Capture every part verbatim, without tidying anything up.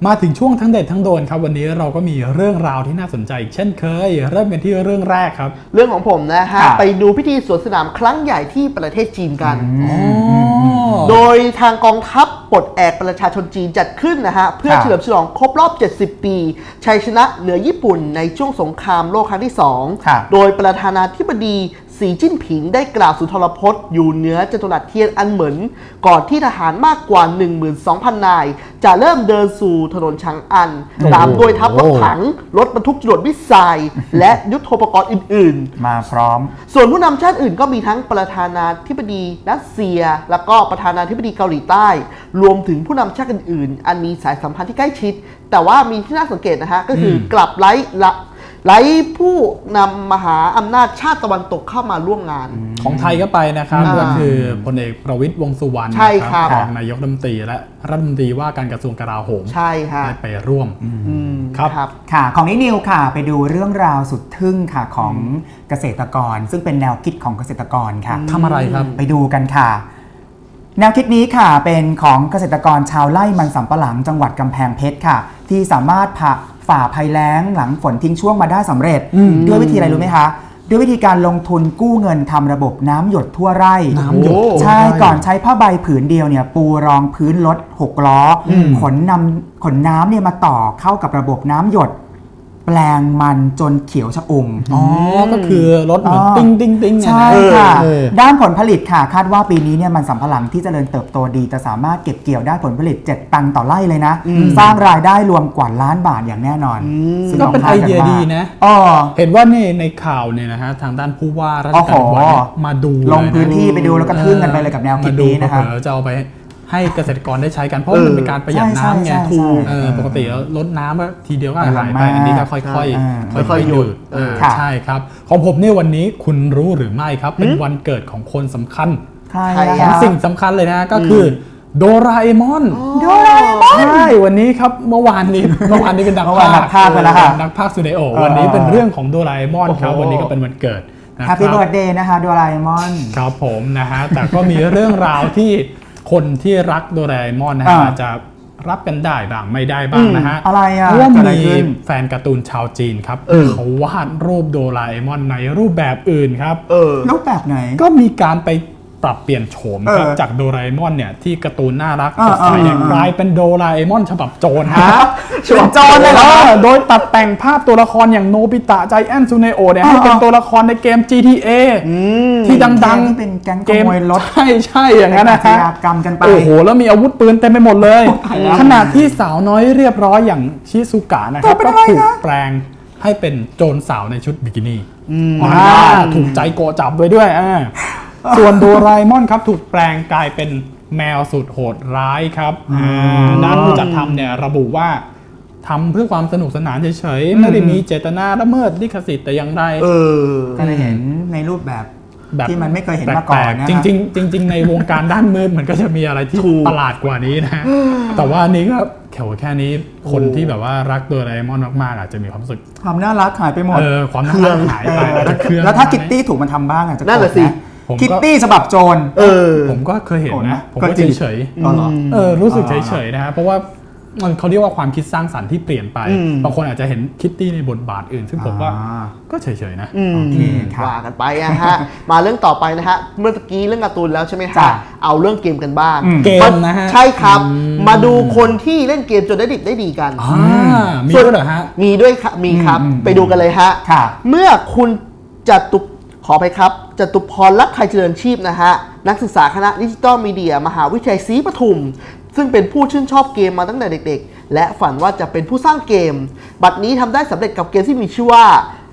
มาถึงช่วงทั้งเด็ดทั้งโดนครับวันนี้เราก็มีเรื่องราวที่น่าสนใจเช่นเคยเริ่มกันที่เรื่องแรกครับเรื่องของผมนะฮะไปดูพิธีสวนสนามครั้งใหญ่ที่ประเทศจีนกันโดยทางกองทัพปลดแอกประชาชนจีนจัดขึ้นนะฮะเพื่อเฉลิมฉลองครบรอบเจ็ดสิบปีชัยชนะเหนือญี่ปุ่นในช่วงสงครามโลกครั้งที่สองโดยประธานาธิบดีสีจิ้นผิงได้กล่าวสุนทรพจน์อยู่เหนือจัตุรัสเทียนอันเหมินก่อนที่ทหารมากกว่า หนึ่งหมื่นสองพัน นายจะเริ่มเดินสู่ถนนชางอันตามด้วยทัพรถถังรถบรรทุกจรวดมิสไซล์และยุทโธปกรณ์อื่นๆมาพร้อมส่วนผู้นำชาติอื่นก็มีทั้งประธานาธิบดีรัสเซียแล้วก็ประธานาธิบดีเกาหลีใต้รวมถึงผู้นำชาติอื่นๆอันมีสายสัมพันธ์ที่ใกล้ชิดแต่ว่ามีที่น่าสังเกตนะฮะก็คือกลับไร้ละไร้ผู้นำมหาอำนาจชาติตะวันตกเข้ามาร่วมงานของไทยก็ไปนะครับก็คือพลเอกประวิตรวงษ์สุวรรณรองนายกรัฐมนตรีและรัฐมนตรีว่าการกระทรวงกลาโหมใช่ค่ะได้ไปร่วมครับค่ะของนิวค่ะไปดูเรื่องราวสุดทึ่งค่ะของเกษตรกรซึ่งเป็นแนวคิดของเกษตรกรค่ะทำอะไรครับไปดูกันค่ะแนวคิดนี้ค่ะเป็นของเกษตรกรชาวไร่มันสำปะหลังจังหวัดกำแพงเพชรค่ะที่สามารถผ่าฝ่าภัยแล้งหลังฝนทิ้งช่วงมาได้สำเร็จด้วยวิธีอะไรรู้ไหมคะด้วยวิธีการลงทุนกู้เงินทำระบบน้ำหยดทั่วไร่น้ำหยดใช่ก่อนใช้ผ้าใบผืนเดียวเนี่ยปูรองพื้นรถหกล้อขนนำขนน้ำเนี่ยมาต่อเข้ากับระบบน้ำหยดแปลงมันจนเขียวชอุ่มอ๋อก็คือรถเหมือนติ้งติ้งติ้งใช่ค่ะด้านผลผลิตค่ะคาดว่าปีนี้เนี่ยมันสำปะหลังที่เจริญเติบโตดีจะสามารถเก็บเกี่ยวได้ผลผลิตเจ็ดตันต่อไร่เลยนะสร้างรายได้รวมกว่าล้านบาทอย่างแน่นอนก็เป็นไอเดียดีนะเห็นว่านี่ในข่าวเนี่ยนะฮะทางด้านผู้ว่าราชการจังหวัดมาดูลงพื้นที่ไปดูแล้วก็ทึ่งกันไปเลยกับแนวคิดนี้นะครับจะเอาไปให้เกษตรกรได้ใช้กันเพราะมันเป็นการประหยัดน้ำไงปกติลดน้ำก็ทีเดียวก็หายไปอันนี้ก็ค่อยๆค่อยๆหยุดใช่ครับของผมเนี่ยวันนี้คุณรู้หรือไม่ครับเป็นวันเกิดของคนสำคัญของสิ่งสำคัญเลยนะก็คือโดราเอมอนโดราเอมอนใช่วันนี้ครับเมื่อวานนี้เมื่อวานนี้เป็นนักพากย์ไปแล้วค่ะนักพากย์ซูเนโอวันนี้เป็นเรื่องของโดราเอมอนครับวันนี้ก็เป็นวันเกิดแฮปปี้เบิร์ธเดย์นะคะโดราเอมอนครับผมนะฮะแต่ก็มีเรื่องราวที่คนที่รักโดราเอมอนนะฮะอาจจะรับกันได้บ้างไม่ได้บ้างนะฮะอะไรอ่ะเพราะว่ามีแฟนการ์ตูนชาวจีนครับเขาวาดรูปโดราเอมอนในรูปแบบอื่นครับรูปแบบไหนก็มีการไปปรับเปลี่ยนโฉมครับจากโดราเอมอนเนี่ยที่การ์ตูนน่ารักสดใสเนี่ยกลายเป็นโดราเอมอนฉบับโจรฮะฉบับโจรเลยเหรอโดยตัดแต่งภาพตัวละครอย่างโนบิตะไจแอนท์ซูเนโอเนี่ยให้เป็นตัวละครในเกม จี ที เอ ที่ดังๆที่เป็นแก๊งขโมยรถใช่ใช่อย่างนั้นนะฮะกรรมกันไปโอ้โหแล้วมีอาวุธปืนเต็มไปหมดเลยขณะที่สาวน้อยเรียบร้อยอย่างชิซุกะนะครับก็ถูกแปลงให้เป็นโจรสาวในชุดบิกินี่ถูกใจโกจับไว้ด้วยส่วนโดราเอมอนครับถูกแปลงกลายเป็นแมวสุดโหดร้ายครับด้านผู้จัดทำเนี่ยระบุว่าทำเพื่อความสนุกสนานเฉยๆไม่ได้มีเจตนาละเมิดลิขสิทธิ์แต่อย่างใดก็เลยเห็นในรูปแบบที่มันไม่เคยเห็นมาก่อนนะจริงๆจริงๆในวงการด้านมืดมันก็จะมีอะไรที่ประหลาดกว่านี้นะแต่ว่านี้ก็แค่แค่นี้คนที่แบบว่ารักโดราเอมอนมากๆอาจจะมีความรู้สึกความน่ารักหายไปหมดเออความน่ารักหายไปแล้วถ้าคิตตี้ถูกมันทำบ้างอาจจะนั่นแหละสิคิตตี้ฉบับโจรเออผมก็เคยเห็นนะผมก็เฉยๆเออรู้สึกเฉยๆนะฮะเพราะว่ามันเขาเรียกว่าความคิดสร้างสรรค์ที่เปลี่ยนไปบางคนอาจจะเห็นคิตตี้ในบทบาทอื่นซึ่งผมว่าก็เฉยๆนะว่ากันไปนะฮะมาเรื่องต่อไปนะฮะเมื่อกี้เรื่องการ์ตูนแล้วใช่ไหมฮะเอาเรื่องเกมกันบ้างเกมนะฮะใช่ครับมาดูคนที่เล่นเกมจนได้ดิบได้ดีกันมีด้วยเหรอฮะมีด้วยครับมีครับไปดูกันเลยฮะเมื่อคุณจัตุขอไปครับจตุพร ลักษณ์ไทยเจริญชีพนะฮะนักศึกษาคณะดิจิทัลมีเดียมหาวิทยาลัยศรีปทุมซึ่งเป็นผู้ชื่นชอบเกมมาตั้งแต่เด็กๆและฝันว่าจะเป็นผู้สร้างเกมบัดนี้ทำได้สำเร็จกับเกมที่มีชื่อว่า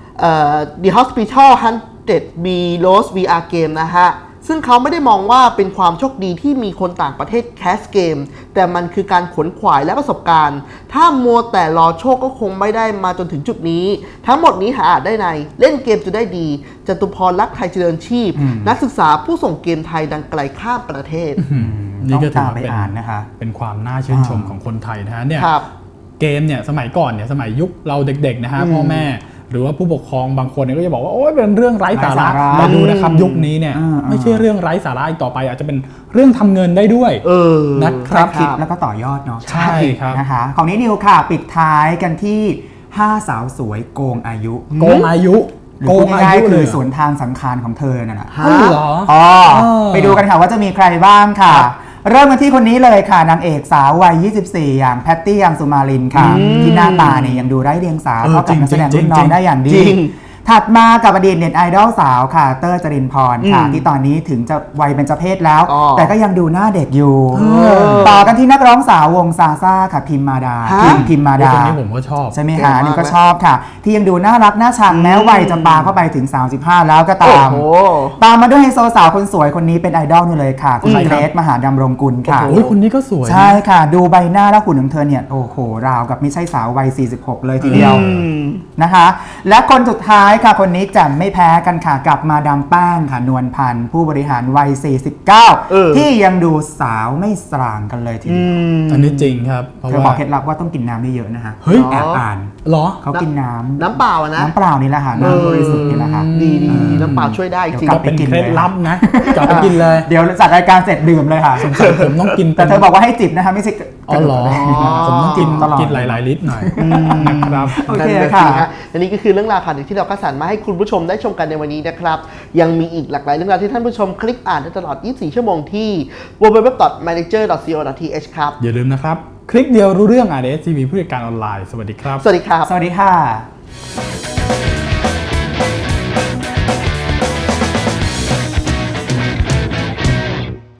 The Hospital หนึ่งร้อย บี Lost วี อาร์ Game นะฮะซึ่งเขาไม่ได้มองว่าเป็นความโชคดีที่มีคนต่างประเทศแคสเกมแต่มันคือการขนขวายและประสบการณ์ถ้ามัวแต่รอโชคก็คงไม่ได้มาจนถึงจุดนี้ทั้งหมดนี้หาอ่านได้ในเล่นเกมจะได้ดีจตุพร ลักษณ์ไทยเจริญชีพนักศึกษาผู้ส่งเกมไทยดังไกลข้ามประเทศนี่ก็ถือว่าเป็นนะคะเป็นความน่าชื่นชมของคนไทยนะฮะเนี่ยเกมเนี่ยสมัยก่อนเนี่ยสมัยยุคเราเด็กๆนะฮะพ่อแม่หรือว่าผู้ปกครองบางคนเนี่ยก็จะบอกว่าโอ้ยเป็นเรื่องไร้สาระไร้สาระแต่ดูนะครับยุคนี้เนี่ยอ่าๆไม่ใช่เรื่องไร้สาระอีกต่อไปอาจจะเป็นเรื่องทำเงินได้ด้วยเออนะครับคิดแล้วก็ต่อยอดเนาะใช่ครับนะคะของนี้นิวค่ะปิดท้ายกันที่ห้าสาวสวยโกงอายุโกงอายุหรือโกพูงดอาง่ายยุๆเลคืยอเหรอสวนทางสังขารของเธอนั่นแหละฮะอ๋อเหรออ๋อเออไปดูกันค่ะว่าจะมีใครบ้างค่ะ เริ่มกันที่คนนี้เลยค่ะนางเอกสาววัย ยี่สิบสี่ อย่างแพตตี้ยังสุมาลินค่ะ ที่หน้าตาเนี่ยยังดูไร้เดียงสาเออเท่ากับนักแสดงจริรุ่งนๆน้องจริงๆได้อย่างดีจริงถัดมากับอดีตเน็ตไอดอลสาวค่ะเต้ยจรินพรค่ะอืมที่ตอนนี้ถึงจะวัยเป็นเจเพศแล้วอ๋อแต่ก็ยังดูหน้าเด็กอยู่อต่อกันที่นักร้องสาววงซาซ่าค่ะพิมมาดาฮะพิมพิมมาดาคนนี้ผมก็ชอบใช่ไหมเก่งคะมากนี่ก็นะชอบค่ะ ที่ยังดูน่ารักน่าชังแม้วัยจะปาเข้าไปถึง สามสิบห้า แล้วก็ตามโอ้โหตามมาด้วยไฮโซสาวคนสวยคนนี้เป็นไอดอลนี่เลยค่ะ คุณใครเกครัรบซมหาดำรงกุลค่ะโอ้ยคนนี้ก็สวยนะใช่ค่ะ ดูใบหน้าและหุ่นของเธอเนี่ย โอ้โห ราวกับไม่ใช่สาววัย สี่สิบหก เลยทีเดียวอืมนะคะ และคนสุดท้ายค่ะ คนนี้แจ่มไม่แพ้กันค่ะ กับมาดามแป้งค่ะ นวลพันธ์ผู้บริหารวัย สี่สิบเก้าเออที่ยังดูสาวไม่สร่างกันเลยทีอืเดียวมอันนี้จริงครับเพราะเธอบอกว่าเคล็ดลับว่าต้องกินน้ำเยอะๆนะคะเฮ้ยแอบอ่านเหรอเขากินน้ำน้ำเปล่าอะนะน้ำเปล่านี่แหละค่ะ น้ำบริสุทธิ์นี่แหละค่ะดีดีดีน้ำเปล่าช่วยได้จริงเดี๋ยวกลัก็บเป็นไปกินเคล็ดเลยลับนะกลับไปกินเลยเดี๋ยวจัดรายการเสร็จดื่มเลยค่ะสงสัยผมต้องกินแต่เธอบอกว่าให้จิบนะคะไม่ใช่อ๋อเหรออ๋อผมต้องกินตลอดกินหลายๆลิตรหน่อยนะครับโอเคนั่นน่ค่ะสิฮและนี่ก็คือเรื่องราวข่าวที่เราคัดสรรมาให้คุณผู้ชมได้ชมกันในวันนี้นะครับ ยังมีอีกหลากหลายเรื่องราวที่ท่านผู้ชมคลิกอ่านได้ตลอด ยี่สิบสี่ ชั่วโมงที่ ดับเบิลยู ดับเบิลยู ดับเบิลยู ดอท แมเนเจอร์ ดอท ซี โอ ดอท ที เอช ครับอย่าลืมนะครับ คลิกเดียวรู้เรื่อง อาร์ เอส ที วี ผู้จัดการออนไลน์ สวัสดีครับสวัสดีครับสวัสดีค่ะ